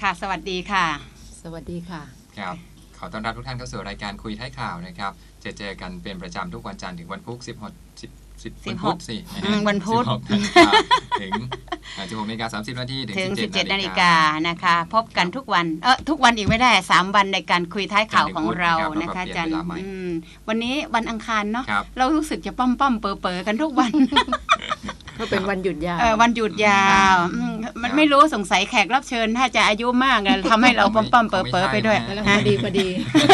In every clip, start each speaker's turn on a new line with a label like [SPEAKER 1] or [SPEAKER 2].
[SPEAKER 1] ค่ะสวัสดีค่ะ
[SPEAKER 2] สวัสดีค่ะ
[SPEAKER 3] ครับขอต้อนรับทุกท่านเข้าสู่รายการคุยท้ายข่าวนะครับเจอกันเป็นประจำทุกวันจันทร์ถึงวันพุธวันพุธสิ
[SPEAKER 1] วันพุธ
[SPEAKER 3] ถึง16:30 น.
[SPEAKER 1] ถึง 17 นาฬิกานะคะพบกันทุกวันทุกวันอีกไม่ได้3วันในการคุยท้ายข่าวของเรานะคะจันวันนี้วันอังคารเนาะเรารู้สึกจะป้อมเป๋อกันทุกวัน
[SPEAKER 2] ก็เป็นวันหยุดยาว
[SPEAKER 1] วันหยุดยาวมันไม่รู้สงสัยแขกรับเชิญถ้าจะอายุมากทำให้เราป้อมเป๋อไปด้วย
[SPEAKER 2] พอดีพอดี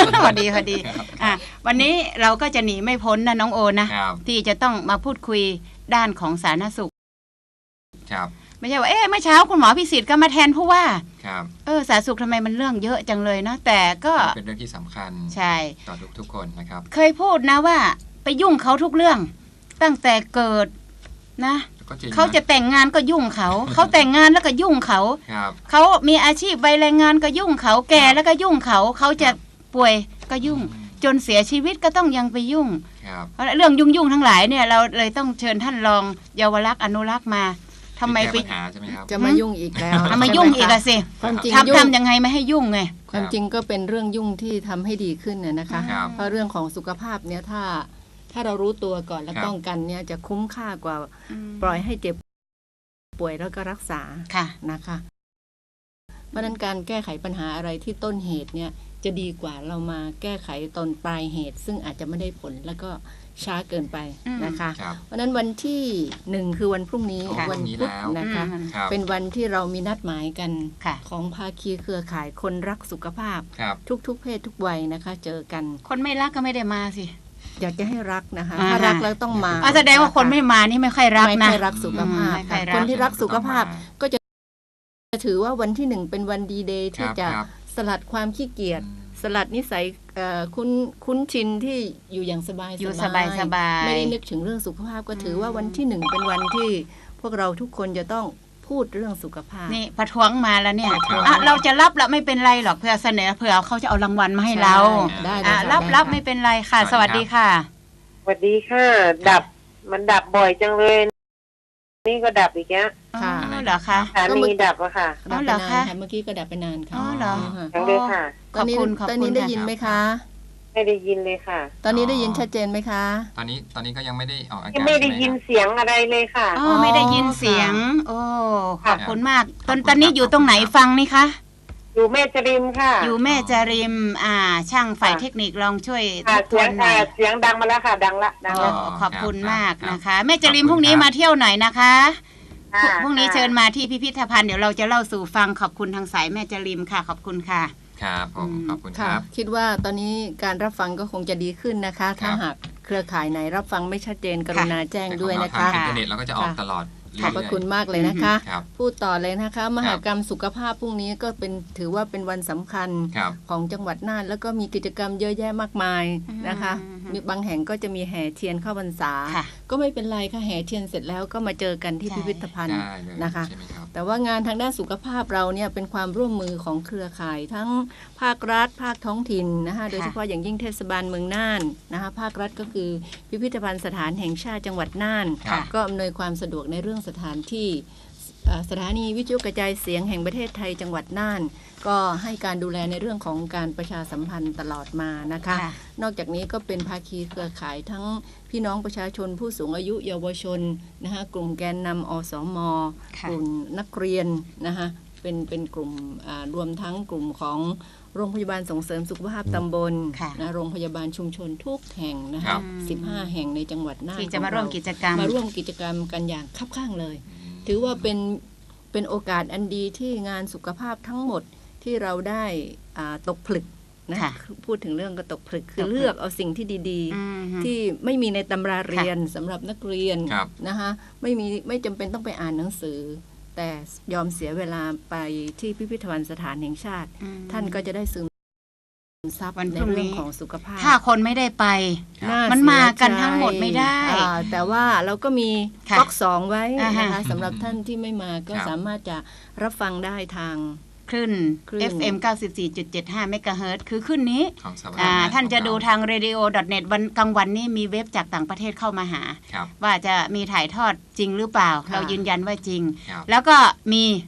[SPEAKER 1] วันนี้เราก็จะหนีไม่พ้นนะน้องโอนะที่จะต้องมาพูดคุยด้านของสาธารณสุขไม่ใช่ว่าเมื่อเช้าคุณหมอพิสิทธิ์ก็มาแทนผู้ว่าสาธารณสุขทำไมมันเรื่องเยอะจังเลยนะแต่ก็
[SPEAKER 3] เป็นเรื่องที่สำคัญ
[SPEAKER 1] ใช่
[SPEAKER 3] ต่อทุกคนนะครับ
[SPEAKER 1] เคยพูดนะว่าไปยุ่งเขาทุกเรื่องตั้งแต่เกิดนะเขาจะแต่งงานก็ยุ่งเขาแต่งงานแล้วก็ยุ่งเขามีอาชีพวัยแรงงานก็ยุ่งเขาแก่แล้วก็ยุ่งเขาจะป่วยก็ยุ่งจนเสียชีวิตก็ต้องยังไปยุ่งเรื่องยุ่งทั้งหลายเนี่ยเราเลยต้องเชิญท่านรองเยาวรักษ์อนุรักษ์มาทำไมไป
[SPEAKER 2] จะมายุ่งอีกแล้ว
[SPEAKER 1] มายุ่งอีกอะสิทำยังไงไม่ให้ยุ่งไง
[SPEAKER 2] ความจริงก็เป็นเรื่องยุ่งที่ทำให้ดีขึ้นนะคะเพราะเรื่องของสุขภาพเนี่ยถ้าเรารู้ตัวก่อนและป้องกันเนี่ยจะคุ้มค่ากว่าปล่อยให้เจ็บป่วยแล้วก็รักษานะคะเพราะนั้นการแก้ไขปัญหาอะไรที่ต้นเหตุเนี่ยจะดีกว่าเรามาแก้ไขตอนปลายเหตุซึ่งอาจจะไม่ได้ผลแล้วก็ช้าเกินไปนะคะเพราะนั้นวันที่1คือวันพรุ่งนี้วันพุธนะคะเป็นวันที่เรามีนัดหมายกันของภาคีเครือข่ายคนรักสุขภาพทุกเพศทุกวัยนะคะเจอกัน
[SPEAKER 1] คนไม่รักก็ไม่ได้มาสิ
[SPEAKER 2] อยากจะให้รักนะคะถ้ารักแล้วต้องมา
[SPEAKER 1] แสดงว่าคนไม่มานี่ไม่ค่อยรักนะ
[SPEAKER 2] ไม่ค่อยรักสุขภาพคนที่รักสุขภาพก็จะถือว่าวันที่1เป็นวันดีเดย์ที่จะสลัดความขี้เกียจสลัดนิสัยคุ้นชินที่อยู่อย่างสบายไม่ได้นึกถึงเรื่องสุขภาพก็ถือว่าวันที่1เป็นวันที่พวกเราทุกคนจะต้องพูดเรื่องสุขภาพ
[SPEAKER 1] นี่ประท้วงมาแล้วเนี่ยเราจะรับแล้วไม่เป็นไรหรอกเพื่อเสนอเผื่อเขาจะเอารางวัลมาให้เรารับไม่เป็นไรค่ะสวัสดีค่ะ
[SPEAKER 4] สวัสดีค่ะมันดับบ่อยจังเลยนี่ก็ดับอีกแล้ว
[SPEAKER 1] ค่ะเหรอคะ
[SPEAKER 4] สามีดับอะค่ะ
[SPEAKER 1] เหรอคะ
[SPEAKER 2] เมื่อกี้ก็ดับไปนานค่ะ
[SPEAKER 1] เหรอ
[SPEAKER 4] ยังเลยค่ะ
[SPEAKER 2] ตอนนี้ได้ยินไหมคะ
[SPEAKER 4] ไม่ได้ยินเลยค่ะ
[SPEAKER 2] ตอนนี้ได้ยินชัดเจนไหมคะ
[SPEAKER 3] ตอนนี้ก็ยังไม่ได้ออกอากาศ
[SPEAKER 4] ไม่ได้ยินเสียงอะไรเลยค่ะ
[SPEAKER 1] ไม่ได้ยินเสียงโอ้ขอบคุณมากตอนนี้อยู่ตรงไหนฟังนี่คะ
[SPEAKER 4] อยู่แม่จริมค่ะ
[SPEAKER 1] อยู่แม่จริมช่างฝ่ายเทคนิคลองช่วย
[SPEAKER 4] ทบทวนหน่อยเสียงดังมาแล้วค่ะดังละ
[SPEAKER 1] ขอบคุณมากนะคะแม่จริมพรุ่งนี้มาเที่ยวหน่อยนะคะพรุ่งนี้เชิญมาที่พิพิธภัณฑ์เดี๋ยวเราจะเล่าสู่ฟังขอบคุณทางสายแม่จริมค่ะขอบคุณค่ะ
[SPEAKER 3] ครับผมขอบคุณครับ
[SPEAKER 2] คิดว่าตอนนี้การรับฟังก็คงจะดีขึ้นนะคะถ้าหากเครือข่ายไหนรับฟังไม่ชัดเจนกรุณาแจ้งด้วยนะคะ
[SPEAKER 3] อินเทอร์เน็ตเราก็จะออกตลอด
[SPEAKER 2] ขอบพระคุณมากเลยนะคะพูดต่อเลยนะคะมหกรรมสุขภาพพรุ่งนี้ก็ถือว่าเป็นวันสำคัญของจังหวัดน่านแล้วก็มีกิจกรรมเยอะแยะมากมายนะคะมีบางแห่งก็จะมีแห่เทียนเข้าพรรษาก็ไม่เป็นไรค่ะแห่เทียนเสร็จแล้วก็มาเจอกันที่พิพิธภัณฑ์นะคะแต่ว่างานทางด้านสุขภาพเราเนี่ยเป็นความร่วมมือของเครือข่ายทั้งภาครัฐภาคท้องถิ่นนะคะโดยเฉพาะอย่างยิ่งเทศบาลเมืองน่านนะคะภาครัฐก็คือพิพิธภัณฑ์สถานแห่งชาติจังหวัดน่านก็อำนวยความสะดวกในเรื่องสถานที่สถานีวิทยุกระจายเสียงแห่งประเทศไทยจังหวัดน่านก็ให้การดูแลในเรื่องของการประชาสัมพันธ์ตลอดมานะคะนอกจากนี้ก็เป็นภาคีเครือข่ายทั้งพี่น้องประชาชนผู้สูงอายุเยาวชนนะคะกลุ่มแกนนำอสม.กลุ่มนักเรียนนะคะเป็นกลุ่มรวมทั้งกลุ่มของโรงพยาบาลส่งเสริมสุขภาพตำบลนะโรงพยาบาลชุมชนทุกแห่งนะคะ15 แห่งในจังหวัดน่าน
[SPEAKER 1] ที่จะมาร่วมกิจกรรม
[SPEAKER 2] กันอย่างคับข้างเลยถือว่าเป็นโอกาสอันดีที่งานสุขภาพทั้งหมดที่เราได้ตกผลึกนะพูดถึงเรื่องก็ตกผลึกคือเลือกเอาสิ่งที่ดีๆที่ไม่มีในตำราเรียนสำหรับนักเรียนนะคะไม่จำเป็นต้องไปอ่านหนังสือแต่ยอมเสียเวลาไปที่พิพิธภัณฑ์สถานแห่งชาติท่านก็จะได้ซึมซับในเรื่องของสุขภาพ
[SPEAKER 1] ถ้าคนไม่ได้ไปมันมากันทั้งหมดไม่ได้
[SPEAKER 2] แต่ว่าเราก็มีก๊อก2ไว้นะคะสำหรับท่านที่ไม่มาก็สามารถจะรับฟังได้ทาง
[SPEAKER 1] คลื่น FM 94.75 เมกะเฮิรตซ์คือคลื่นนี้ท่านจะดูทาง radio.net วันกลางวันนี้มีเว็บจากต่างประเทศเข้ามาหาว่าจะมีถ่ายทอดจริงหรือเปล่าเรายืนยันว่าจริงแล้วก็มี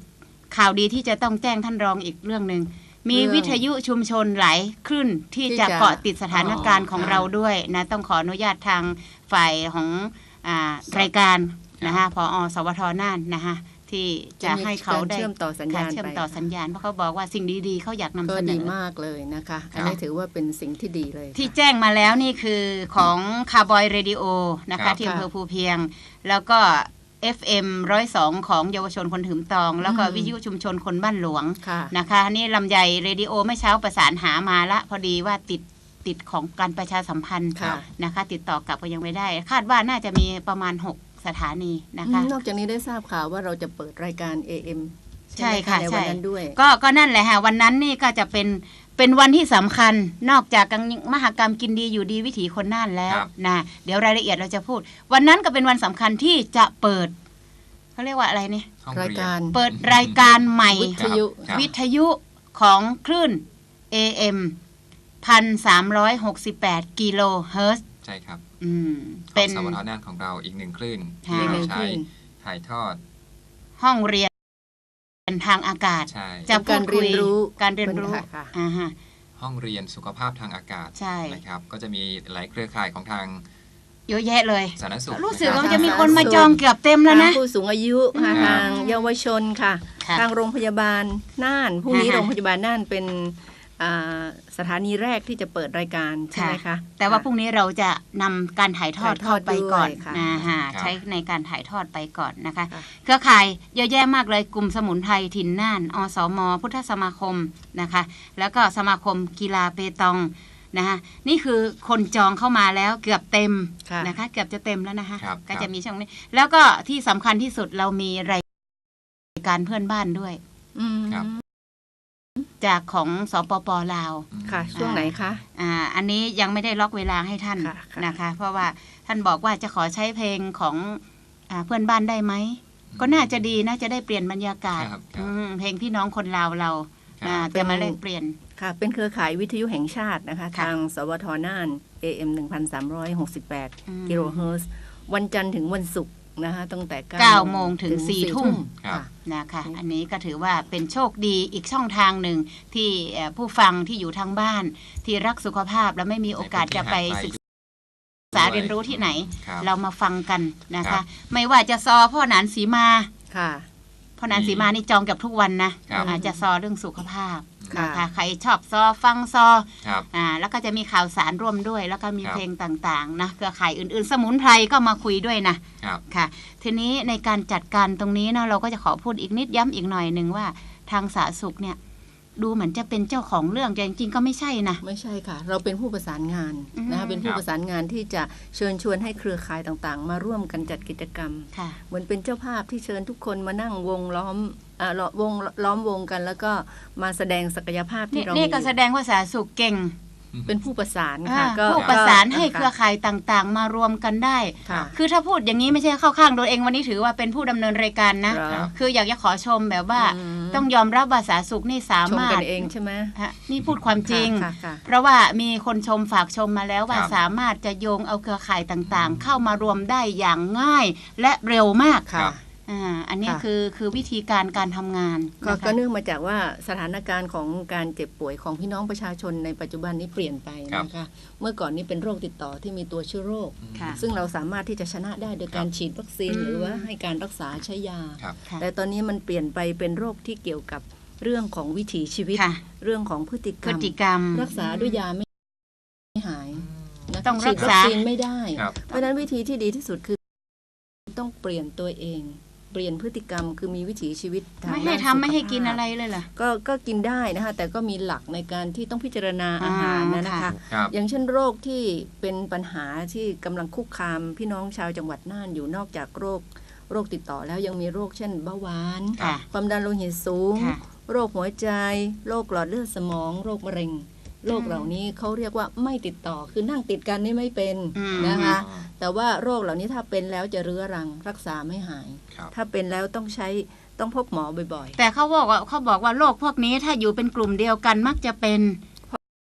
[SPEAKER 1] ข่าวดีที่จะต้องแจ้งท่านรองอีกเรื่องนึงมีวิทยุชุมชนหลายคลื่นที่จะเกาะติดสถานการณ์ของเราด้วยนะต้องขออนุญาตทางฝ่ายของรายการนะคะผอ.สวท.น่านนะคะที่จะให้เขาได้
[SPEAKER 2] เชื่อมต่อสัญญาณ
[SPEAKER 1] เชื่อมต่อสัญญาณเพราะเขาบอกว่าสิ่งดีๆเขาอยากนำเสนอก็
[SPEAKER 2] ดีมากเลยนะคะอันนี้ถือว่าเป็นสิ่งที่ดีเลย
[SPEAKER 1] ที่แจ้งมาแล้วนี่คือของคาร์บอยเรดิโอนะคะที่อำเภอภูเพียงแล้วก็ FM 102ของเยาวชนคนถืมตองแล้วก็วิทยุชุมชนคนบ้านหลวงนะคะนี่ลำไยเรดิโอเมื่อเช้าประสานหามาละพอดีว่าติดของการประชาสัมพันธ์นะคะติดต่อกลับก็ยังไม่ได้คาดว่าน่าจะมีประมาณ6สถานีนะคะ
[SPEAKER 2] นอกจากนี้ได้ทราบข่าวว่าเราจะเปิดรายการ AM
[SPEAKER 1] ใช่ค่ะใช่
[SPEAKER 2] ด้วย
[SPEAKER 1] ก็นั่นแหละค่ะวันนั้นนี่ก็จะเป็นวันที่สำคัญนอกจากมหกรรมกินดีอยู่ดีวิถีคนน่านแล้วนะเดี๋ยวรายละเอียดเราจะพูดวันนั้นก็เป็นวันสำคัญที่จะเปิดเขาเรียกว่าอะไรนี่
[SPEAKER 2] รายการ
[SPEAKER 1] เปิดรายการใหม่
[SPEAKER 2] วิ
[SPEAKER 1] ทยุของคลื่น AM 1,368 กิโลเฮิรตซ์
[SPEAKER 3] ใช่ครับ
[SPEAKER 1] เป็น
[SPEAKER 3] สวท.น่านของเราอีก1คลื่นที่เราใช้ถ่ายทอด
[SPEAKER 1] ห้องเรียนทางอากาศจะ
[SPEAKER 2] การเรียนรู้
[SPEAKER 3] ห้องเรียนสุขภาพทางอากาศนะครับก็จะมีหลายเครือข่ายของทาง
[SPEAKER 1] เยอะแยะเลย
[SPEAKER 3] สาธารณสุข
[SPEAKER 1] รู้สึกว่าจะมีคนมาจองเกือบเต็มแล้วนะ
[SPEAKER 2] ผู้สูงอายุทางเยาวชนค่ะทางโรงพยาบาลน่านพรุ่งนี้โรงพยาบาลน่านเป็นสถานีแรกที่จะเปิดรายการใช่ไหมคะ
[SPEAKER 1] แต่ว่าพรุ่งนี้เราจะนำการถ่ายทอดเข้าไปก่อนนะคะใช้ในการถ่ายทอดไปก่อนนะคะเครือข่ายเยอะแยะมากเลยกลุ่มสมุนไพรถิ่นน่านอสม.พุทธสมาคมนะคะแล้วก็สมาคมกีฬาเปตองนะคะนี่คือคนจองเข้ามาแล้วเกือบเต็มนะคะเกือบจะเต็มแล้วนะคะก็จะมีช่องนี้แล้วก็ที่สำคัญที่สุดเรามีรายการเพื่อนบ้านด้วยจากของสปป.ลาว
[SPEAKER 2] ค่ะช่วงไหนคะ
[SPEAKER 1] อันนี้ยังไม่ได้ล็อกเวลาให้ท่านนะคะเพราะว่าท่านบอกว่าจะขอใช้เพลงของเพื่อนบ้านได้ไหมก็น่าจะดีน่าจะได้เปลี่ยนบรรยากาศเพลงพี่น้องคนลาวเราจะมาแลกเปลี่ยน
[SPEAKER 2] ค่ะเป็นเครือข่ายวิทยุแห่งชาตินะคะทางสวท.น่าน AM 1,368 กิโลเฮิรตซ์วันจันทร์ถึงวันศุกร์นะคะตั้งแต่
[SPEAKER 1] 9 โมงถึง 4 ทุ่มนะคะอันนี้ก็ถือว่าเป็นโชคดีอีกช่องทางหนึ่งที่ผู้ฟังที่อยู่ทางบ้านที่รักสุขภาพและไม่มีโอกาสจะไปศึกษาเรียนรู้ที่ไหนเรามาฟังกันนะคะไม่ว่าจะซอพ่อหนานสีมาพ่อหนานสีมานี่จองกับทุกวันนะจะซอเรื่องสุขภาพนะคะใครชอบซอฟังซอแล้วก็จะมีข่าวสารร่วมด้วยแล้วก็มีเพลงต่างๆนะเครือข่ายอื่นๆสมุนไพรก็มาคุยด้วยนะค่ะทีนี้ในการจัดการตรงนี้นะเราก็จะขอพูดอีกนิดย้ำอีกหน่อยหนึ่งว่าทางสาธารณสุขเนี่ยดูเหมือนจะเป็นเจ้าของเรื่องแต่จริงๆก็ไม่ใช่นะ
[SPEAKER 2] ไม่ใช่ค่ะเราเป็นผู้ประสานงานนะคะเป็นผู้ประสานงานที่จะเชิญชวนให้เครือข่ายต่างๆมาร่วมกันจัดกิจกรรมเหมือนเป็นเจ้าภาพที่เชิญทุกคนมานั่งวงล้อมวงกันแล้วก็มาแสดงศักยภาพที่เรา
[SPEAKER 1] นี่ก็แสดงว่าสาธารณสุขเก่ง
[SPEAKER 2] เป็นผู้ประสานค่ะ
[SPEAKER 1] ผู้ประสานให้เครือข่ายต่างๆมารวมกันได้คือถ้าพูดอย่างนี้ไม่ใช่เข้าข้างตัวเองวันนี้ถือว่าเป็นผู้ดำเนินรายการนะคืออยากจะขอชมแบบว่าต้องยอมรับว่าสาธารณสุขนี่สามารถ
[SPEAKER 2] ชมกันเองใช่ไหม
[SPEAKER 1] นี่พูดความจริงเพราะว่ามีคนชมฝากชมมาแล้วว่าสามารถจะโยงเอาเครือข่ายต่างๆเข้ามารวมได้อย่างง่ายและเร็วมากอันนี้คือวิธีการทำงาน
[SPEAKER 2] ก็เนื่องมาจากว่าสถานการณ์ของการเจ็บป่วยของพี่น้องประชาชนในปัจจุบันนี้เปลี่ยนไปนะคะเมื่อก่อนนี้เป็นโรคติดต่อที่มีตัวเชื้อโรคซึ่งเราสามารถที่จะชนะได้โดยการฉีดวัคซีนหรือว่าให้การรักษาใช้ยาแต่ตอนนี้มันเปลี่ยนไปเป็นโรคที่เกี่ยวกับเรื่องของวิถีชีวิตเรื่องของพฤติกรรมรักษาด้วยยาไม่หาย
[SPEAKER 1] ต้องรักษา
[SPEAKER 2] วัคซีนไม่ได้เพราะฉะนั้นวิธีที่ดีที่สุดคือต้องเปลี่ยนตัวเองเปลี่ยนพฤติกรรมคือมีวิถีชีวิต
[SPEAKER 1] ไม่ให้ทำไม่ให้กินอะไรเลยเหรอ
[SPEAKER 2] ก็กินได้นะคะแต่ก็มีหลักในการที่ต้องพิจารณาอาหารนะคะอย่างเช่นโรคที่เป็นปัญหาที่กำลังคุกคามพี่น้องชาวจังหวัดน่านอยู่นอกจากโรคติดต่อแล้วยังมีโรคเช่นเบาหวานความดันโลหิตสูงโรคหัวใจโรคหลอดเลือดสมองโรคมะเร็งโรคเหล่านี้เขาเรียกว่าไม่ติดต่อคือนั่งติดกันนี่ไม่เป็นนะคะแต่ว่าโรคเหล่านี้ถ้าเป็นแล้วจะเรื้อรังรักษาไม่หายถ้าเป็นแล้วต้องพบหมอบ่อย
[SPEAKER 1] ๆแต่เขาบอกว่าโรคพวกนี้ถ้าอยู่เป็นกลุ่มเดียวกันมักจะเป็น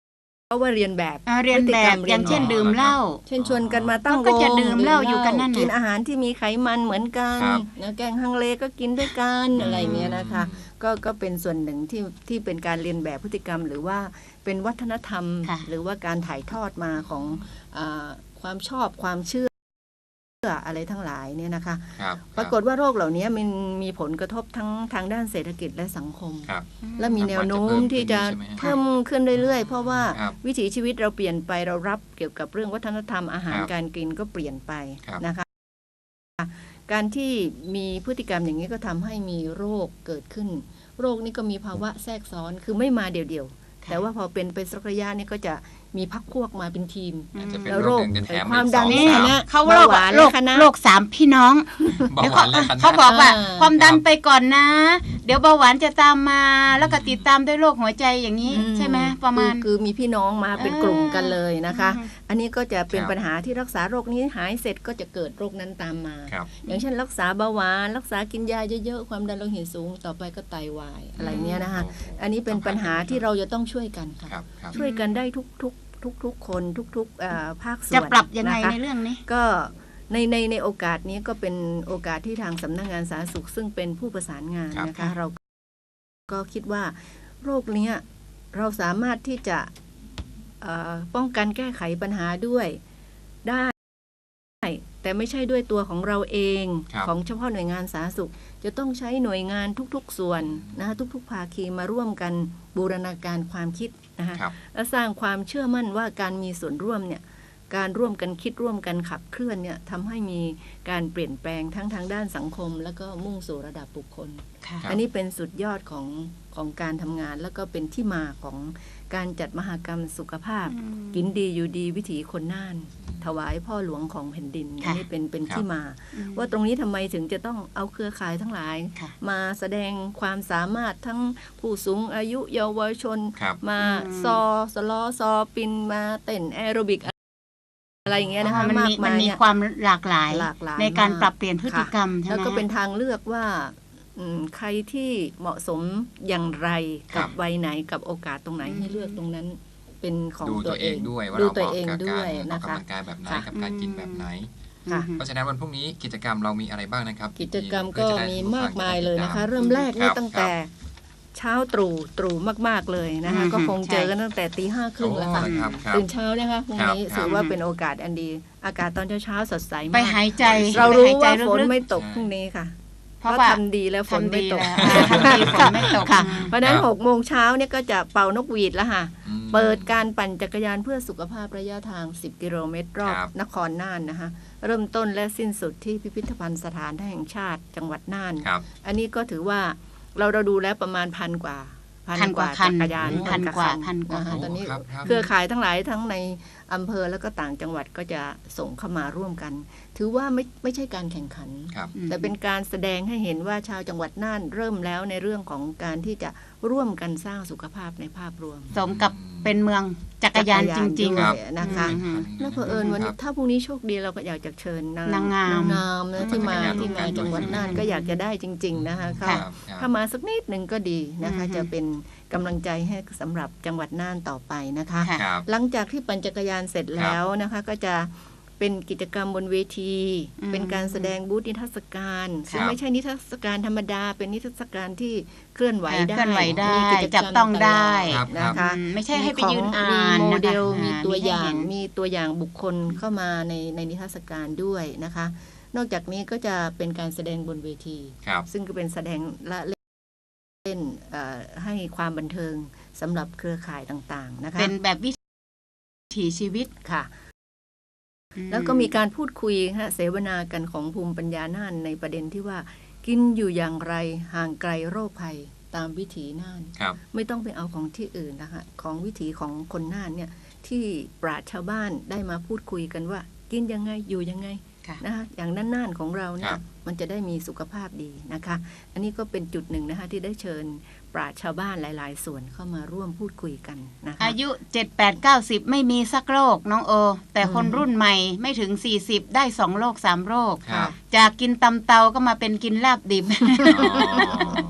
[SPEAKER 2] ว่าเรียนแบบ
[SPEAKER 1] เรียนแบบอย่างเช่นดื่มเหล้า
[SPEAKER 2] เช่นชวนกันมาตั้งวง
[SPEAKER 1] ก็จะดื่มเหล้าอยู่กันนั่น
[SPEAKER 2] กินอาหารที่มีไขมันเหมือนกันนะแกงฮังเลก็กินด้วยกันอะไรเงี้ยนะคะก็เป็นส่วนหนึ่งที่เป็นการเรียนแบบพฤติกรรมหรือว่าเป็นวัฒนธรรมหรือว่าการถ่ายทอดมาของความชอบความเชื่ออะไรทั้งหลายเนี่ยนะคะปรากฏว่าโรคเหล่านี้มันมีผลกระทบทั้งทางด้านเศรษฐกิจและสังคมและมีแนวโน้มที่จะเพิ่มขึ้นเรื่อยๆเพราะว่าวิถีชีวิตเราเปลี่ยนไปเรารับเกี่ยวกับเรื่องวัฒนธรรมอาหารการกินก็เปลี่ยนไปนะคะการที่มีพฤติกรรมอย่างนี้ก็ทำให้มีโรคเกิดขึ้นโรคนี้ก็มีภาวะแทรกซ้อนคือไม่มาเดี่ยวๆแต่ว่าพอเป็นไปสักระยะนี้ก็จะมีพักพวกมาเป็นทีมแล้วโรคความดันนี่นะ
[SPEAKER 1] เขาโรค3พี่น้องเขาบอกว่าความดันไปก่อนนะเดี๋ยวเบาหวานจะตามมาแล้วก็ติดตามด้วยโรคหัวใจอย่างนี้ใช่ไหมประมาณ
[SPEAKER 2] คือมีพี่น้องมาเป็นกลุ่มกันเลยนะคะอันนี้ก็จะเป็นปัญหาที่รักษาโรคนี้หายเสร็จก็จะเกิดโรคนั้นตามมาอย่างเช่นรักษาเบาหวานรักษากินยาเยอะๆความดันโลหิตสูงต่อไปก็ไตวายอะไรเงี้ยนะคะอันนี้เป็นปัญหาที่เราจะต้องช่วยกันค่ะช่วยกันได้ทุกคนทุกภาคส่วน
[SPEAKER 1] จะปรับยังไงในเรื่องนี้
[SPEAKER 2] ก็ในโอกาสนี้ก็เป็นโอกาสที่ทางสำนักงานสาธารณสุขซึ่งเป็นผู้ประสานงานนะคะเราก็คิดว่าโรคนี้เราสามารถที่จะป้องกันแก้ไขปัญหาด้วยได้แต่ไม่ใช่ด้วยตัวของเราเองของเฉพาะหน่วยงานสาธารณสุขจะต้องใช้หน่วยงานทุกๆส่วนนะคะทุกๆภาคีมาร่วมกันบูรณาการความคิดนะคะและสร้างความเชื่อมั่นว่าการมีส่วนร่วมเนี่ยการร่วมกันคิดร่วมกันขับเคลื่อนเนี่ยทำให้มีการเปลี่ยนแปลงทั้งทางด้านสังคมแล้วก็มุ่งสู่ระดับบุคคลอันนี้เป็นสุดยอดของการทำงานแล้วก็เป็นที่มาของการจัดมหกรรมสุขภาพกินดีอยู่ดีวิถีคนน่านถวายพ่อหลวงของแผ่นดินนี่เป็นที่มาว่าตรงนี้ทำไมถึงจะต้องเอาเครือข่ายทั้งหลายมาแสดงความสามารถทั้งผู้สูงอายุเยาวชนมาสลอซอปินมาเต้นแอโรบิกอะไรอย่างเงี้ยนะคะ
[SPEAKER 1] มันมีความหลากหลายในการปรับเปลี่ยนพฤติกรรมใช่ไหม
[SPEAKER 2] แล้วก็เป็นทางเลือกว่าใครที่เหมาะสมอย่างไรกับวัยไหนกับโอกาสตรงไหนให้เลือกตรงนั้นเป็นของตัวเอง
[SPEAKER 3] ด้วยว่าเราเหมาะกับการออกกำลังกายแบบไหนกับการกินแบบไหนเพราะฉะนั้นวันพรุ่งนี้กิจกรรมเรามีอะไรบ้างนะครับ
[SPEAKER 2] กิจกรรมก็มีมากมายเลยนะคะเริ่มแรกนี่ตั้งแต่เช้าตรู่มากๆเลยนะคะก็คงเจอกันตั้งแต่ 5:30 แล้วค่ะตื่นเช้านะคะพรุ่งนี้ถือว่าเป็นโอกาสอันดีอากาศตอนเช้าสดใสมาก
[SPEAKER 1] ไปหายใจ
[SPEAKER 2] เรารู้ว่าฝนไม่ตกพรุ่งนี้ค่ะเพราะทำดีแล้วฝนไม่ตกค่ะเพราะนั้น 6 โมงเช้าเนี่ยก็จะเป่านกหวีดแล้วค่ะเปิดการปั่นจักรยานเพื่อสุขภาพระยะทาง10 กิโลเมตรรอบนครน่านนะคะเริ่มต้นและสิ้นสุดที่พิพิธภัณฑ์สถานแห่งชาติจังหวัดน่านอันนี้ก็ถือว่าเราดูแล้วประมาณ1,000 กว่าจักรยาน
[SPEAKER 1] พันกว่า
[SPEAKER 2] ตอนนี้เครือข่ายทั้งหลายทั้งในอำเภอแล้วก็ต่างจังหวัดก็จะส่งเข้ามาร่วมกันถือว่าไม่ใช่การแข่งขันแต่เป็นการแสดงให้เห็นว่าชาวจังหวัดน่านเริ่มแล้วในเรื่องของการที่จะร่วมกันสร้างสุขภาพในภาพรวม
[SPEAKER 1] สมกับเป็นเมืองจักรยานจริง
[SPEAKER 2] ๆนะคะแล้วเผอิญวันนี้ถ้าพรุ่งนี้โชคดีเราก็อยากจะเชิญนางงามนะที่มาจังหวัดน่านก็อยากจะได้จริงๆนะคะถ้ามาสักนิดหนึ่งก็ดีนะคะจะเป็นกำลังใจให้สำหรับจังหวัดน่านต่อไปนะคะหลังจากที่ปั่นจักรยานเสร็จแล้วนะคะก็จะเป็นกิจกรรมบนเวทีเป็นการแสดงบูธนิทรรศการซึ่งไม่ใช่นิทรรศการธรรมดาเป็นนิทรรศการที่เคลื่อนไหวได้
[SPEAKER 1] มีกิจกรรมต้องได้
[SPEAKER 2] นะคะ
[SPEAKER 1] ไม่ใช่ให้ไปยืนอ่าน
[SPEAKER 2] โมเดลมีตัวอย่างบุคคลเข้ามาในนิทรรศการด้วยนะคะนอกจากนี้ก็จะเป็นการแสดงบนเวทีซึ่งก็เป็นแสดงละเล่นให้ความบันเทิงสำหรับเครือข่ายต่างๆนะคะ
[SPEAKER 1] เป็นแบบวิถีชีวิต
[SPEAKER 2] ค่ะแล้วก็มีการพูดคุยเสวนากันของภูมิปัญญาน่านในประเด็นที่ว่ากินอยู่อย่างไรห่างไกลโรคภัยตามวิถีน่านไม่ต้องไปเอาของที่อื่นนะคะของวิถีของคนน่านเนี่ยที่ปราชญ์ชาวบ้านได้มาพูดคุยกันว่ากินยังไงอยู่ยังไงนะคะอย่างน่านๆของเราเนี่ยมันจะได้มีสุขภาพดีนะคะอันนี้ก็เป็นจุดหนึ่งนะคะที่ได้เชิญปราชญ์ชาวบ้านหลายๆส่วนเข้ามาร่วมพูดคุยกันนะคะ
[SPEAKER 1] อายุ 7-8-90 ไม่มีสักโรคน้องโอแต่คนรุ่นใหม่ไม่ถึง40ได้2โรค3โรคจากกินตำเตาก็มาเป็นกินลาบดิบ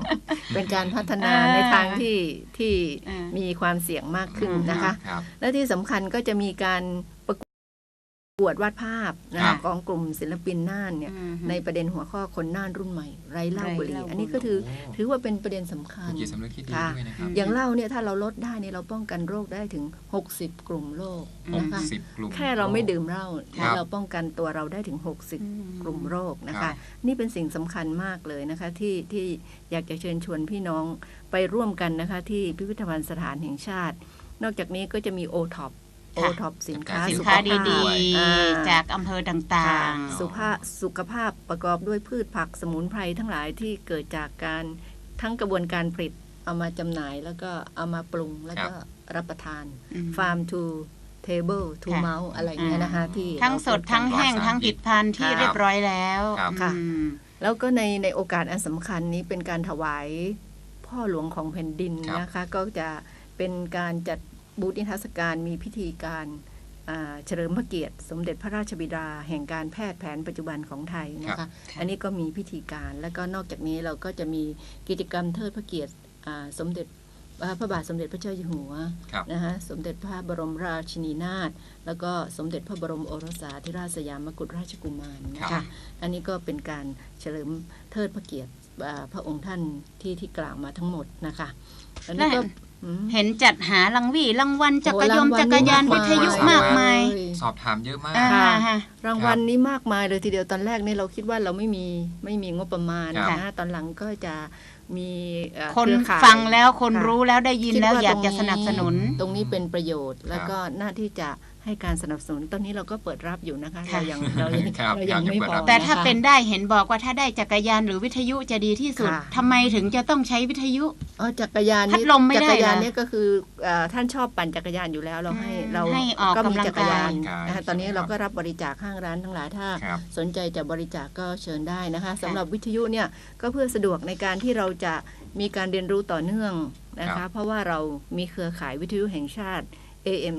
[SPEAKER 2] เป็นการพัฒนาในทางที่มีความเสี่ยงมากขึ้นนะคะ และที่สำคัญก็จะมีการประกวดวาดภาพนะของกลุ่มศิลปินน่านเนี่ยในประเด็นหัวข้อคนน่านรุ่นใหม่ไร้เหล้าบุหรี่อันนี้ก็ถือว่าเป็นประเด็นสำคัญค่ะอย่างเหล้าเนี่ยถ้าเราลดได้เนี่ยเราป้องกันโรคได้ถึง60กลุ่มโรคนะคะแค่เราไม่ดื่มเหล้าเราป้องกันตัวเราได้ถึง60กลุ่มโรคนะคะนี่เป็นสิ่งสำคัญมากเลยนะคะที่อยากจะเชิญชวนพี่น้องไปร่วมกันนะคะที่พิพิธภัณฑ์สถานแห่งชาตินอกจากนี้ก็จะมีโอท็อปสินค้า
[SPEAKER 1] ดีๆจากอำเภอต่าง
[SPEAKER 2] ๆสุขภาพประกอบด้วยพืชผักสมุนไพรทั้งหลายที่เกิดจากการทั้งกระบวนการผลิตเอามาจำหน่ายแล้วก็เอามาปรุงแล้วก็รับประทาน Farm to Table to Mouth อะไรเงี้ยนะคะที่
[SPEAKER 1] ทั้งสดทั้งแห้งทั้งผลิตภัณฑ์ที่เรียบร้อยแล้ว
[SPEAKER 2] ค่ะแล้วก็ในโอกาสอันสำคัญนี้เป็นการถวายพ่อหลวงของแผ่นดินนะคะก็จะเป็นการจัดบูธนิทรรศการมีพิธีการเฉลิมพระเกียรติสมเด็จพระราชบิดาแห่งการแพทย์แผนปัจจุบันของไทยนะคะอันนี้ก็มีพิธีการแล้วก็นอกจากนี้เราก็จะมีกิจกรรมเทิดพระเกียรติสมเด็จพระบาทสมเด็จพระเจ้าอยู่หัวนะคะสมเด็จพระบรมราชินีนาถแล้วก็สมเด็จพระบรมโอรสาธิราชสยามกุฎราชกุมารนะคะอันนี้ก็เป็นการเฉลิมเทิดพระเกียรติพระองค์ท่านที่กล่าวมาทั้งหมดนะคะอันนี้ก็
[SPEAKER 1] เห็นจัดหารางวัลจักรยานวิทยุมากมาย
[SPEAKER 3] สอบถามเยอะมาก
[SPEAKER 2] รางวัลนี้มากมายเลยทีเดียวตอนแรกนี่เราคิดว่าเราไม่มีงบประมาณนะตอนหลังก็จะมี
[SPEAKER 1] คนฟังแล้วคนรู้แล้วได้ยินแล้วอยากจะสนับสนุน
[SPEAKER 2] ตรงนี้เป็นประโยชน์แล้วก็หน้าที่จะให้การสนับสนุนตอนนี้เราก็เปิดรับอยู่นะคะเรายังไม่พอ
[SPEAKER 1] แต่ถ้าเป็นได้เห็นบอกว่าถ้าได้จักรยานหรือวิทยุจะดีที่สุดทำไมถึงจะต้องใช้วิทยุ
[SPEAKER 2] จักรยาน
[SPEAKER 1] พัดลมไม่ได้
[SPEAKER 2] จักรยานนี่ก็คือท่านชอบปั่นจักรยานอยู่แล้วเรา
[SPEAKER 1] ให้ออก
[SPEAKER 2] ก็มี
[SPEAKER 1] จั
[SPEAKER 2] กรยานนะคะตอนนี้เราก็รับบริจาคห้างร้านทั้งหลายถ้าสนใจจะบริจาคก็เชิญได้นะคะสำหรับวิทยุเนี่ยก็เพื่อสะดวกในการที่เราจะมีการเรียนรู้ต่อเนื่องนะคะเพราะว่าเรามีเครือข่ายวิทยุแห่งชาติ AM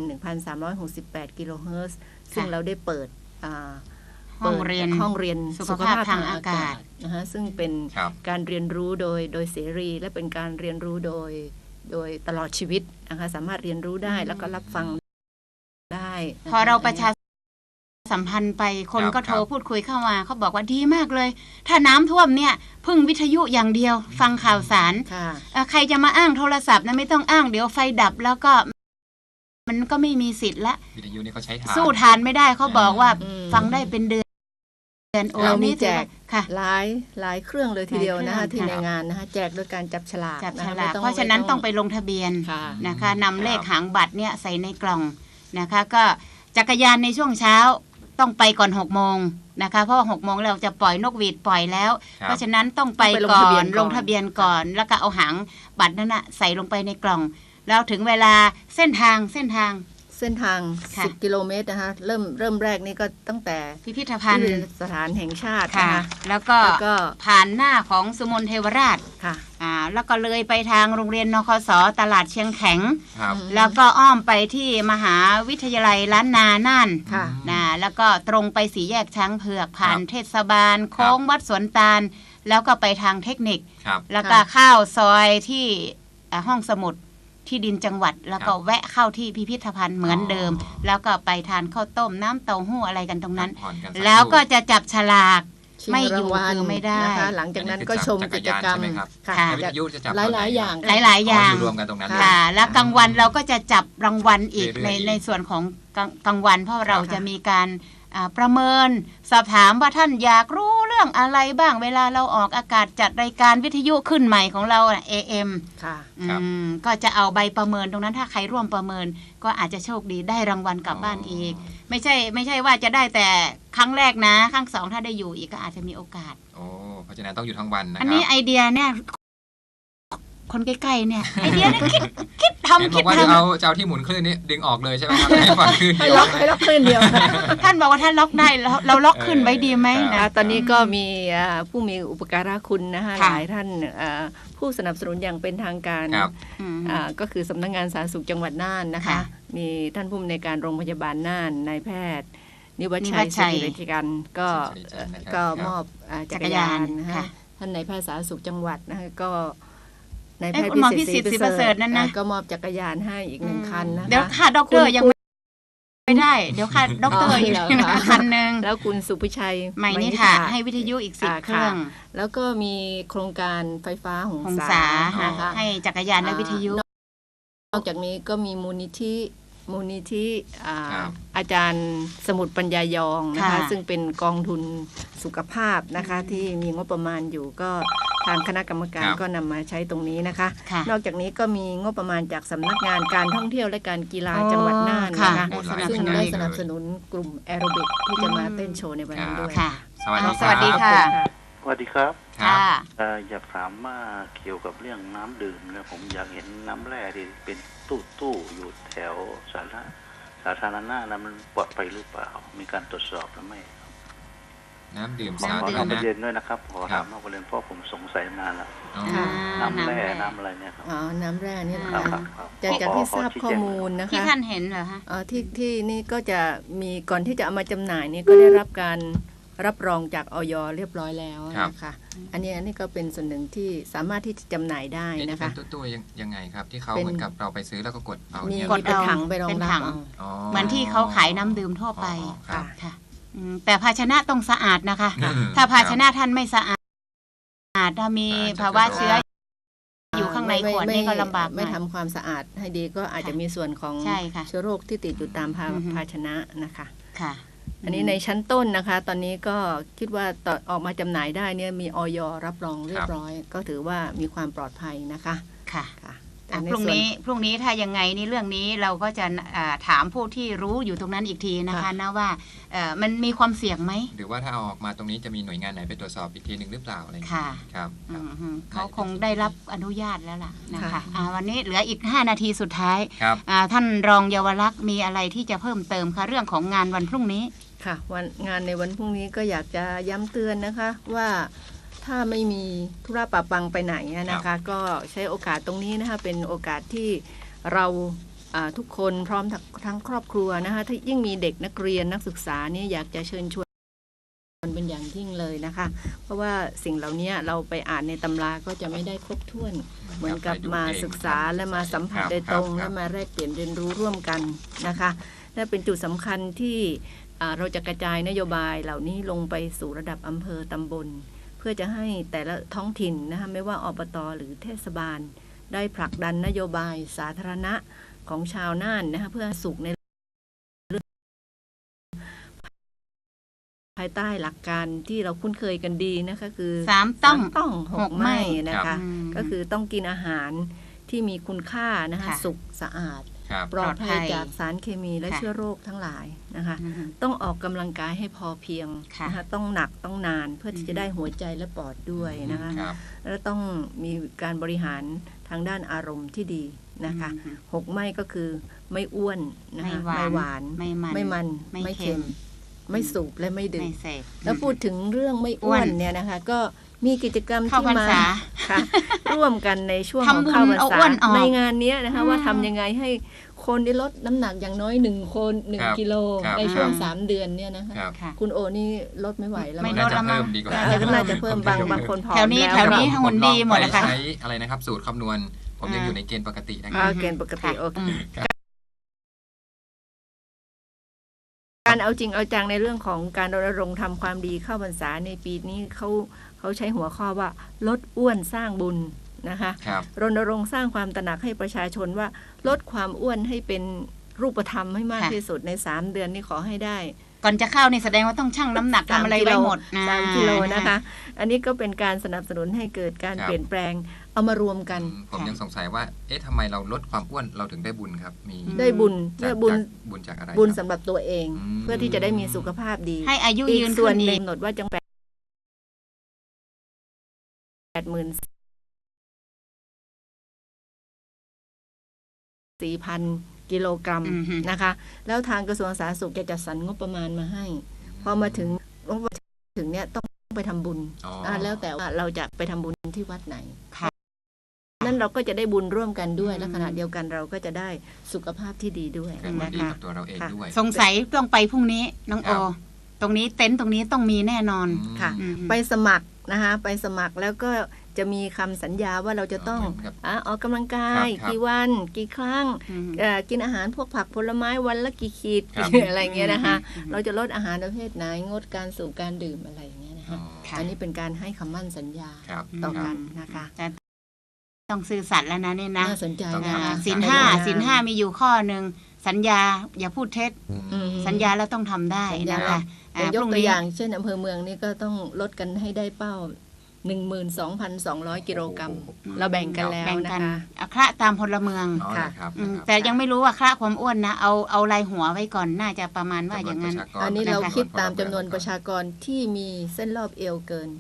[SPEAKER 2] 1,368 กิโลเฮิรตซ์ซึ่งเราได้เปิด
[SPEAKER 1] ห้องเรียนสุขภาพทางอากาศ
[SPEAKER 2] นะคะซึ่งเป็นการเรียนรู้โดยเสรีและเป็นการเรียนรู้โดยตลอดชีวิตนะคะสามารถเรียนรู้ได้แล้วก็รับฟังได้
[SPEAKER 1] พอเราประชาสัมพันธ์ไปคนก็โทรพูดคุยเข้ามาเขาบอกว่าดีมากเลยถ้าน้ำท่วมเนี่ยพึ่งวิทยุอย่างเดียวฟังข่าวสารใครจะมาอ้างโทรศัพท์นะไม่ต้องอ้างเดี๋ยวไฟดับแล้วก็มันก็ไม่มีสิทธิ์ละ
[SPEAKER 3] วิทยุนี่เขาใช้
[SPEAKER 1] สู้ทานไม่ได้เขาบอกว่าฟังได้เป็นเดือน
[SPEAKER 2] เรามีแจกหลายเครื่องเลยทีเดียวนะคะที่ในงานนะคะแจกโดยการจับฉลาก
[SPEAKER 1] เพราะฉะนั้นต้องไปลงทะเบียนนะคะนำเลขหางบัตรเนี่ยใส่ในกล่องนะคะก็จักรยานในช่วงเช้าต้องไปก่อน6 โมงนะคะเพราะว่า6 โมงเราจะปล่อยนกหวีดปล่อยแล้วเพราะฉะนั้นต้องไปก่อนลงทะเบียนก่อนแล้วก็เอาหางบัตรนั้นนะใส่ลงไปในกล่องแล้วถึงเวลาเส้นทาง
[SPEAKER 2] 10 กิโลเมตรนะคะเริ่มแรกนี่ก็ตั้งแต่
[SPEAKER 1] พิพิธภัณฑ์
[SPEAKER 2] สถานแห่งชาตินะคะ
[SPEAKER 1] แล้วก็ผ่านหน้าของสุมนเทวราช
[SPEAKER 2] ค่ะ
[SPEAKER 1] แล้วก็เลยไปทางโรงเรียนนคส.ตลาดเชียงแข็งแล้วก็อ้อมไปที่มหาวิทยาลัยล้านนาน่านแล้วก็ตรงไปสี่แยกช้างเผือกผ่านเทศบาลโค้งวัดสวนตาลแล้วก็ไปทางเทคนิคแล้วก็เข้าซอยที่ห้องสมุดที่ดินจังหวัดแล้วก็แวะเข้าที่พิพิธภัณฑ์เหมือนเดิมแล้วก็ไปทานข้าวต้มน้ำเต้าหู้อะไรกันตรงนั้นแล้วก็จะจับฉลากไม่อยู่คือไม่ได้
[SPEAKER 2] หลังจากนั้นก็ชมกิจกรรมหลายอย่าง
[SPEAKER 3] รวมกันตรงนั้น
[SPEAKER 1] ค่ะแล้วกลางวันเราก็จะจับรางวัลอีกในส่วนของกลางวันเพราะเราจะมีการประเมินสอบถามว่าท่านอยากรู้เรื่องอะไรบ้างเวลาเราออกอากาศจัดรายการวิทยุขึ้นใหม่ของเราAM
[SPEAKER 2] ค่ะ
[SPEAKER 1] ก็จะเอาใบประเมินตรงนั้นถ้าใครร่วมประเมินก็อาจจะโชคดีได้รางวัลกลับบ้านอีกไม่ใช่ว่าจะได้แต่ครั้งแรกนะครั้ง2ถ้าได้อยู่อีกก็อาจจะมีโอกาส
[SPEAKER 3] เพราะฉะนั้นต้องอยู่ทั้งวันนะครับ
[SPEAKER 1] อันนี้ไอเดียเนี่ยคนใกล้ๆเนี่ยไอเดียเนี่ยคิดทำ
[SPEAKER 3] บอกว่าจะเอาที่หมุนคลื่นนี้ดึงออกเลยใช่ไหมครับให้ฝังคลื่น
[SPEAKER 2] ให้ล็อกคลื่นเดียว
[SPEAKER 1] ท่านบอกว่าท่านล็อกได้เราล็อกขึ้นไว้ดีไหม
[SPEAKER 2] นะตอนนี้ก็มีผู้มีอุปการะคุณนะคะหลายท่านผู้สนับสนุนอย่างเป็นทางการก็คือสำนักงานสาธารณสุขจังหวัดน่านนะคะมีท่านผู้อำนวยการโรงพยาบาลน่านนายแพทย์นิวัชชัยศิริริกันก็มอบจักรยานนะคะท่านนายแพทย์สาธารณสุขจังหวัดนะคะก็นายแพทย์
[SPEAKER 1] คุณหมอพิสิทธิ์ศรีประเสริฐนั่นนะ
[SPEAKER 2] ก็มอบจักรยานให้อีก1 คันนะคะ
[SPEAKER 1] เดี๋ยวค่ะด็อกเตอร์ยังไม่ได้เดี๋ยวค่ะด็อกเตอร์อีกคันนึง
[SPEAKER 2] แล้วคุณสุพิชัย
[SPEAKER 1] ใหม่นี่ค่ะให้วิทยุอีก10 เครื่อง
[SPEAKER 2] แล้วก็มีโครงการไฟฟ้าหงสานะคะ
[SPEAKER 1] ให้จักรยานและวิทยุ
[SPEAKER 2] นอกจากนี้ก็มีมูลนิธิอาจารย์สมุทรปัญญายองนะคะซึ่งเป็นกองทุนสุขภาพนะคะที่มีงบประมาณอยู่ก็ทางคณะกรรมการก็นำมาใช้ตรงนี้นะคะนอกจากนี้ก็มีงบประมาณจากสำนักงานการท่องเที่ยวและการกีฬาจังหวัดน่านนะคะซึ่งได้สนับสนุนกลุ่มแอโรบิกที่จะมาเต้นโชว์ในวันนี้ด้วย
[SPEAKER 1] สวัสดีค่ะ
[SPEAKER 5] สวัสดีครับ
[SPEAKER 3] อย
[SPEAKER 5] ากถามว่าเกี่ยวกับเรื่องน้ำดื่มนะผมอยากเห็นน้ำแร่ที่เป็นตู้อยู่แถวสาธารณะนะมันปลอดภัยหรือเปล่ามีการตรวจสอบหรือไม่
[SPEAKER 3] น้ำดื่ม
[SPEAKER 5] สาธารณะประเด็นด้วยนะครับขอถามนอกประเด็นเพราะผมสงสัยนานแล้วน้ำแร่น้ำอะไรเนี่ยครับ
[SPEAKER 2] น้ำแร่นี่นะคะจากที่ทราบข้อมูลนะคะ
[SPEAKER 1] ที่ท่านเห็นเหรอคะ
[SPEAKER 2] ที่นี่ก็จะมีก่อนที่จะเอามาจำหน่ายนี่ก็ได้รับการรับรองจากอย.เรียบร้อยแล้วนะคะอันนี้ก็เป็นส่วนหนึ่งที่สามารถที่จะจำหน่ายได้นะคะ
[SPEAKER 3] ตัวยังไงครับที่เขาเหมือนกับเราไปซื้อแล้วก็กดเอา
[SPEAKER 2] มีเป็นถังไปรองรับ
[SPEAKER 1] เหมือนที่เขาขายน้ำดื่มทั่วไปค่ะแต่ภาชนะต้องสะอาดนะคะถ้าภาชนะท่านไม่สะอาดถ้ามีภาวะเชื้ออยู่ข้างในขวดนี่ก็ลำบาก
[SPEAKER 2] ไม่ทำความสะอาดให้ดีก็อาจจะมีส่วนของเชื้อโรคที่ติดอยู่ตามภาชนะนะคะ
[SPEAKER 1] ค่ะ
[SPEAKER 2] อันนี้ในชั้นต้นนะคะตอนนี้ก็คิดว่าออกมาจำหน่ายได้เนี่ยมีอย.รับรองเรียบร้อยก็ถือว่ามีความปลอดภัยนะคะ
[SPEAKER 1] ค่ะพรุ่งนี้ถ้ายังไงนี่เรื่องนี้เราก็จะถามผู้ที่รู้อยู่ตรงนั้นอีกทีนะคะนะว่ามันมีความเสี่ยงไหม
[SPEAKER 3] หรือว่าถ้าเอาออกมาตรงนี้จะมีหน่วยงานไหนไปตรวจสอบอีกทีหนึ่งหรือเปล่าอะไร
[SPEAKER 1] ค่ะ
[SPEAKER 3] ครับ
[SPEAKER 1] เขาคงได้รับอนุญาตแล้วล่ะนะคะวันนี้เหลืออีก5 นาทีสุดท้ายท่านรองเยาวลักษณ์มีอะไรที่จะเพิ่มเติมคะเรื่องของงานวันพรุ่งนี้
[SPEAKER 2] ค่ะงานในวันพรุ่งนี้ก็อยากจะย้ำเตือนนะคะว่าถ้าไม่มีธุระปะปังไปไหนนะคะก็ใช้โอกาสตรงนี้นะคะเป็นโอกาสที่เราทุกคนพร้อมทั้งครอบครัวนะคะถ้ายิ่งมีเด็กนักเรียนนักศึกษานี่อยากจะเชิญชวนเป็นอย่างยิ่งเลยนะคะเพราะว่าสิ่งเหล่านี้เราไปอ่านในตำราก็จะไม่ได้ครบถ้วนเหมือนกับมาศึกษาและมาสัมผัสโดยตรงและมาแลกเปลี่ยนเรียนรู้ร่วมกันนะคะและเป็นจุดสำคัญที่เราจะกระจายนโยบายเหล่านี้ลงไปสู่ระดับอำเภอตำบลเพื่อจะให้แต่ละท้องถิ่นนะคะไม่ว่าอบต.หรือเทศบาลได้ผลักดันนโยบายสาธารณะของชาวน่านนะคะเพื่อสุขในภายใต้หลักการที่เราคุ้นเคยกันดีนะคะคือ
[SPEAKER 1] 3 ต้อง
[SPEAKER 2] 6 ไม่นะคะก็คือต้องกินอาหารที่มีคุณค่านะคะสุขสะอาดปลอดภัยจากสารเคมีและเชื้อโรคทั้งหลายนะคะต้องออกกำลังกายให้พอเพียงนะคะต้องหนักต้องนานเพื่อที่จะได้หัวใจและปอดด้วยนะคะแล้วต้องมีการบริหารทางด้านอารมณ์ที่ดีนะคะ6 ไม่ก็คือไม่อ้วนนะคะไม่หวานไม่มันไม่เค็มไม่สูบและไม่ดื่มแล้วพูดถึงเรื่องไม่อ้วนเนี่ยนะคะก็มีกิจกรรมที่มาร่วมกันในช่วงของเข้าพรรษาในงานนี้นะคะว่าทำยังไงให้คนได้ลดน้ำหนักอย่างน้อย1 กิโลในช่วง3 เดือนเนี่ยนะคะคุณโอนี่ลดไม่ไหวแล้ว
[SPEAKER 1] ไม่ลดแล้วมั้ง
[SPEAKER 2] น่าจะเพิ่มบางคนผอม
[SPEAKER 1] แถวนี้หุ่นดีหมดนะคะ
[SPEAKER 3] ใช้อะไรนะครับสูตรคำนวณผมยังอยู่ในเกณฑ์ปกตินะครับ
[SPEAKER 2] เกณฑ์ปกติโอเคการเอาจริงเอาจังในเรื่องของการรณรงค์ทำความดีเข้าพรรษาในปีนี้เขาใช้หัวข้อว่าลดอ้วนสร้างบุญนะคะรณรงค์สร้างความตระหนักให้ประชาชนว่าลดความอ้วนให้เป็นรูปธรรมให้มากที่สุดใน3 เดือนนี้ขอให้ได้
[SPEAKER 1] ก่อนจะเข้านี่แสดงว่าต้องชั่งน้ำหนักทำอะไรไว้หมด
[SPEAKER 2] 3 กิโลนะคะอันนี้ก็เป็นการสนับสนุนให้เกิดการเปลี่ยนแปลงเอามารวมกัน
[SPEAKER 3] ผมยังสงสัยว่าทำไมเราลดความอ้วนเราถึงได้บุญครับมี
[SPEAKER 2] ได้บุญ
[SPEAKER 3] จากอะไร
[SPEAKER 2] บุญสำหรับตัวเองเพื่อที่จะได้มีสุขภาพดี
[SPEAKER 1] ให้อายุยืน
[SPEAKER 2] ส่วนหนึ่งกำหนดว่าจัง80,000 4,000 กิโลกรัมนะคะแล้วทางกระทรวงสาธารณสุขจะจัดสรรงบประมาณมาให้พอมาถึงเนี่ยต้องไปทำบุญแล้วแต่ว่าเราจะไปทำบุญที่วัดไหนนั่นเราก็จะได้บุญร่วมกันด้วยและขณะเดียวกันเราก็จะได้สุขภาพที่ดีด้วย
[SPEAKER 3] นะคะตัวเราเองด้วย
[SPEAKER 1] สงสัยต้องไปพรุ่งนี้น้องโอตรงนี้เต็นท์ตรงนี้ต้องมีแน่นอน
[SPEAKER 2] ค่ะ ไปสมัครนะคะไปสมัครแล้วก็จะมีคำสัญญาว่าเราจะต้องออกกำลังกายกี่วันกี่ครั้งกินอาหารพวกผักผลไม้วันละกี่ขีดอะไรเงี้ยนะคะเราจะลดอาหารประเภทไหนงดการสูบการดื่มอะไรอย่างเงี้ยนะคะอันนี้เป็นการให้คำมั่นสัญญาต่อกันนะคะ
[SPEAKER 1] ต้องซื่อสัตย์แล้วนะนี่นะ
[SPEAKER 2] น่าสนใจ
[SPEAKER 1] ศีลห้ามีอยู่ข้อหนึ่งสัญญาอย่าพูดเท็จสัญญาแล้วต้องทำได้นะคะ
[SPEAKER 2] ยกตัวอย่างเช่นอำเภอเมืองนี่ก็ต้องลดกันให้ได้เป้า 12,200 กิโลกรัมเราแบ่งกันแล้วนะคะ
[SPEAKER 1] คละตามพลเมืองค่ะแต่ยังไม่รู้ว่าคละความอ้วนนะเอารายหัวไว้ก่อนน่าจะประมาณว่าอย่างนั้น
[SPEAKER 2] อันนี้เราคิดตามจำนวนประชากรที่มีเส้นรอบเอวเกิน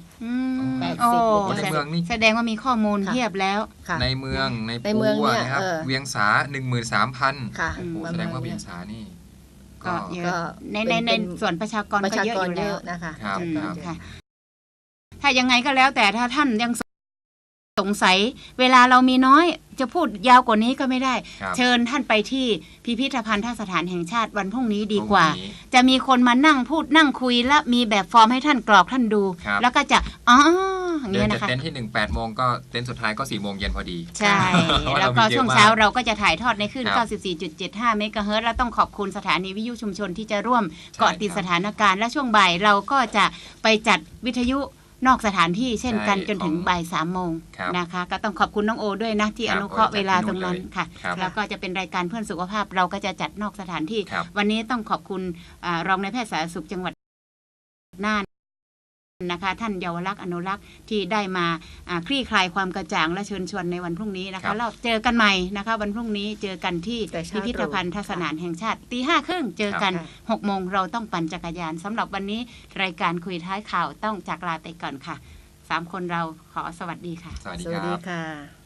[SPEAKER 1] 80แสดงว่ามีข้อมูลเทียบแล้ว
[SPEAKER 3] ในเมืองในปูเนี่ยครับเวียงสา 13,000
[SPEAKER 2] ค่ะ
[SPEAKER 3] แสดงว่าเวียงสานี่
[SPEAKER 1] ก็เยอะในส่วนประชากรก็เยอะอยู่แล้ว
[SPEAKER 2] นะคะ
[SPEAKER 1] ถ้ายังไงก็แล้วแต่ถ้าท่านยังสงสัยเวลาเรามีน้อยจะพูดยาวกว่านี้ก็ไม่ได้เชิญท่านไปที่พิพิธภัณฑสถานแห่งชาติวันพรุ่งนี้ดีกว่าจะมีคนมานั่งพูดนั่งคุยและมีแบบฟอร์มให้ท่านกรอกท่านดูแล้วก็จะอย่างนี้นะคะ
[SPEAKER 3] เต้นที่ 8 โมงก็เต้นสุดท้ายก็4 โมงเย็นพอดี
[SPEAKER 1] ใช่แล้วก็ช่วงเช้าเราก็จะถ่ายทอดในคลื่น 94.75 เมกะเฮิรตซ์และต้องขอบคุณสถานีวิทยุชุมชนที่จะร่วมเกาะติดสถานการณ์และช่วงบ่ายเราก็จะไปจัดวิทยุนอกสถานที่เช่นกันจนถึงบ่าย 3 โมงนะคะก็ต้องขอบคุณน้องโอด้วยนะที่อนุเคราะห์เวลาตรงนั้นค่ะแล้วก็จะเป็นรายการเพื่อนสุขภาพเราก็จะจัดนอกสถานที่วันนี้ต้องขอบคุณรองนายแพทย์สาธารณสุขจังหวัดน่านนะคะท่านเยาวลักษณ์อนุรักษ์ที่ได้มาคลี่คลายความกระจ่างและเชิญชวนในวันพรุ่งนี้นะคะเราเจอกันใหม่นะคะวันพรุ่งนี้เจอกันที่พิพิธภัณฑสถานแห่งชาติ 5:30 เจอกัน 6 โมงเราต้องปั่นจักรยานสำหรับวันนี้รายการคุยท้ายข่าวต้องจากลาไปก่อนค่ะ3 คนเราขอสวัสดีค่ะ
[SPEAKER 3] สวัสดีค่ะ